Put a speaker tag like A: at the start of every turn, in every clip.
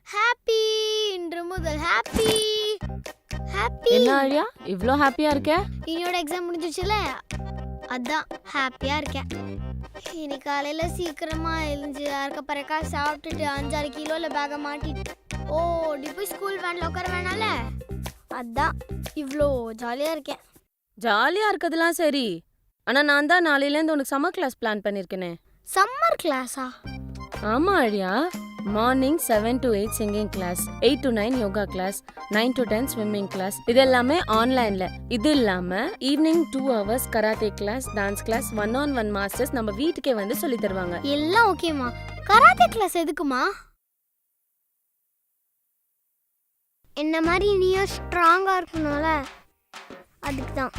A: Happy இன்று முதல் happy happy.
B: என்ன ஆழியா இவ்ளோ ஹாப்பியா இருக்க?
A: என்னோட எக்ஸாம் முடிஞ்சிச்சுல, அதான் ஹாப்பியா இருக்கேன். இன்னைக்கு காலையில சீக்கிரமா எழுந்து அறக்க பறக்கா சாப்பிட்டுட்டு 5-6 கிலோல பேக மாட்டிட்டு ஓடி போய் ஸ்கூல் வேன்ல உட்கார வேணால, அதான் இவ்வளோ ஜாலியா இருக்கேன்.
B: ஜாலியா இருக்கதெல்லாம் சரி, ஆனா நான் தான் நாளையிலேருந்து உனக்கு சம்மர் கிளாஸ் பிளான் பண்ணிருக்கேனே.
A: சம்மர் கிளாஸா?
B: ஆமா Aazhiya, morning 7 to 8 singing class, 8 to 9 yoga class, 9 to 10 swimming class. இது எல்லாமே ஆன்லைன்ல. இது இல்லாம evening 2 hours karate class, dance class, 1-on-1 masters நம்ம வீட்டுக்கே வந்து சொல்லி தருவாங்க.
A: எல்லாம் ஓகேமா. கராத்தே கிளாஸ் எதுக்குமா? என்ன மாதிரி நீயும் ஸ்ட்ராங்கா இருக்கணும்ல, அதுக்கு தான்.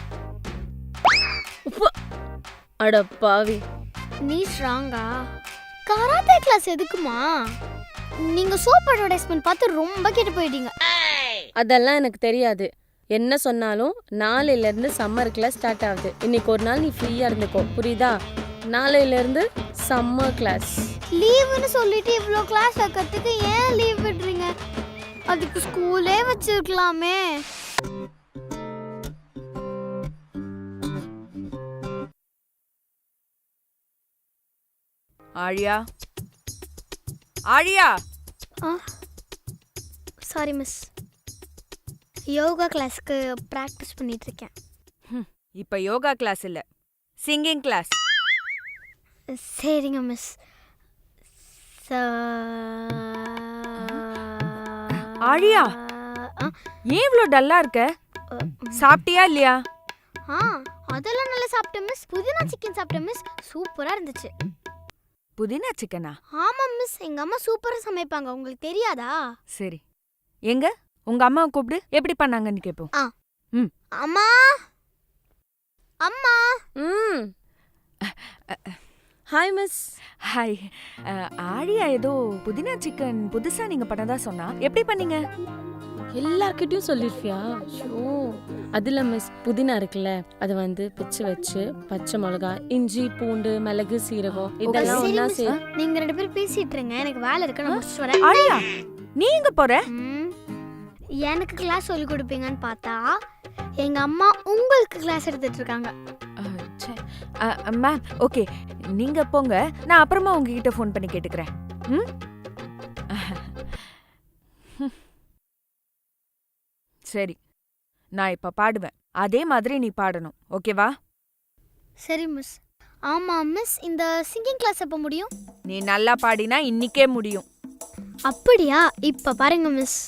B: அட பாவி,
A: நீ ஸ்ட்ராங்கா? கராத்தே கிளாஸ் எதுக்குமா? நீங்க சோப் அட்வர்டைஸ்மென்ட் பார்த்து ரொம்ப கெட்டு போயிட்டீங்க.
B: அதெல்லாம் எனக்கு தெரியாது. என்ன சொன்னாலும் நாளையில இருந்து சம்மர் கிளாஸ் ஸ்டார்ட் ஆகுது. இன்னைக்கு ஒரு நாள் நீ ஃப்ரீயா இருந்துக்கோ, புரியுதா? நாளையில இருந்து சம்மர் கிளாஸ்.
A: லீவுன்னு சொல்லிட்டு இவ்ளோ கிளாஸ் வைக்கிறதுக்கு ஏன் லீவ் விடுறீங்க? அதுக்கு ஸ்கூலே வச்சிருக்கலாமே.
C: ஆழியா, ஆழியா.
A: சாரி மிஸ், யோகா கிளாஸ்க்கு பிராக்டிஸ் பண்ணிட்டு இருக்கேன்.
C: இப்ப யோகா கிளாஸ் இல்ல, சிங்கிங் கிளாஸ்.
A: சரிங்க மிஸ்.
C: ஆழியா, ஏன் இவ்ளோ டல்லா இருக்க? சாப்பிட்டியா இல்லையா?
A: அதெல்லாம் நல்லா சாப்பிட்டேன் மிஸ். புதினா சிக்கன் சாப்பிட்டேன் மிஸ், சூப்பரா இருந்துச்சு.
C: புதினா சிக்கனா?
A: ஆமா மிஸ், எங்க அம்மா சூப்பரா சமைப்பாங்க, உங்களுக்கு தெரியாதா?
C: சரி, எங்க உங்க அம்மாவை கூப்பிடு, எப்படி பண்ணாங்கன்னு கேப்போம்.
A: அம்மா அம்மா.
B: Hi miss.
C: ஹாய். ஆழியா ஏதோ புதினா சிக்கன் புதுசா நீங்க பண்ணதா சொன்னா, எப்படி பண்ணீங்க?
B: எல்லார்கிட்டயும் சொல்லிருப்பியா? ஷோ, அதுல மிஸ் புதினா இருக்குல்ல, அதை வந்து பிச்சு வச்சு பச்சை மிளகா, இஞ்சி, பூண்டு, மிளகு, சீரகம் இதெல்லாம் ஒண்ணா
A: நீங்க 2 பேரும் பேசிட்டு இருங்க, எனக்கு வேலை இருக்கு, நான் முடிச்சிட்டு வரேன்.
C: ஆழியா, நீ எங்க போற?
A: எனக்கு கிளாஸ் சொல்லி கொடுப்பீங்கன்னு பார்த்தா எங்க அம்மா உங்களுக்கு கிளாஸ் எடுத்துட்டு இருக்காங்க.
C: மேம், ஓகே, நீங்க போங்க, நான் அப்புறமா உங்ககிட்ட ஃபோன் பண்ணி கேட்டுக்கிறேன். சரி, நான் இப்ப பாடுவேன், அதே மாதிரி நீ பாடணும், ஓகேவா?
A: சரி மிஸ். ஆமா மிஸ், இந்த சிங்கிங் கிளாஸ் எப்ப முடியும்?
C: நீ நல்லா பாடினா இன்னிக்கே முடியும்.
A: அப்படியா? இப்ப பாருங்க மிஸ்.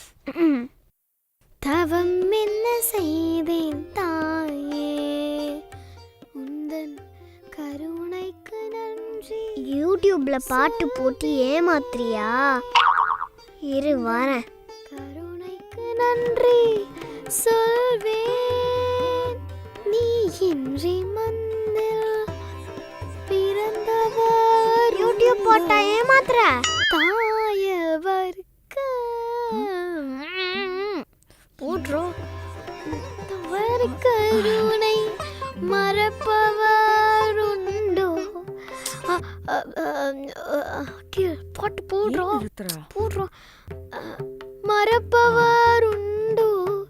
A: தவம் என்ன செய்தேன் தாயே, உந்தன் கருணைக்கு நன்றி. யூடியூப்ல பாட்டு போட்டு ஏமாத்துறியா? இரு வரேன். கருணைக்கு நன்றி சொல்வேன், நீ இன்றி மந்தில் பிறந்தவர். யூடியூப் போட்டா ஏமாத்துற? தாயவருக்கு போட்றோம். தவறு கருணை மறப்பவர் உண்டோ? பாட்டு போடுறோம் போடுறோம். மறப்பவர் உண்டோ?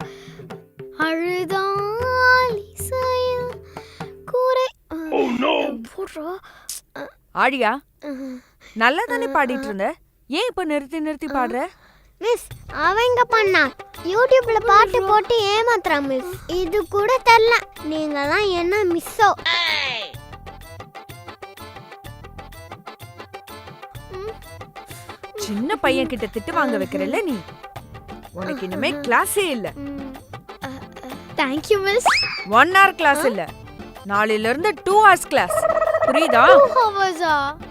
A: அழுதால் இசையில் கூரை போடுறோம்.
C: ஆழியா, நல்லா தானே பாடிட்டு இருந்த, ஏன் இப்ப நிறுத்தி நிறுத்தி பாடுற?
A: மிஸ், அவங்க பண்ணா யூடியூப்ல பாட்டு போட்டு ஏமாத்துறா மிஸ். இது கூட தெரியல, நீங்கலாம் என்ன மிஸ்ஸோ?
C: சின்ன பையன் கிட்ட திட்டு வாங்க வைக்கிறல்ல நீ, உனக்கு இனிமே கிளாஸே இல்ல.
A: Thank you miss.
C: 1 hour கிளாஸ் இல்ல, நாளையில இருந்து 2 hours கிளாஸ், புரியுதா?
A: 2 hours.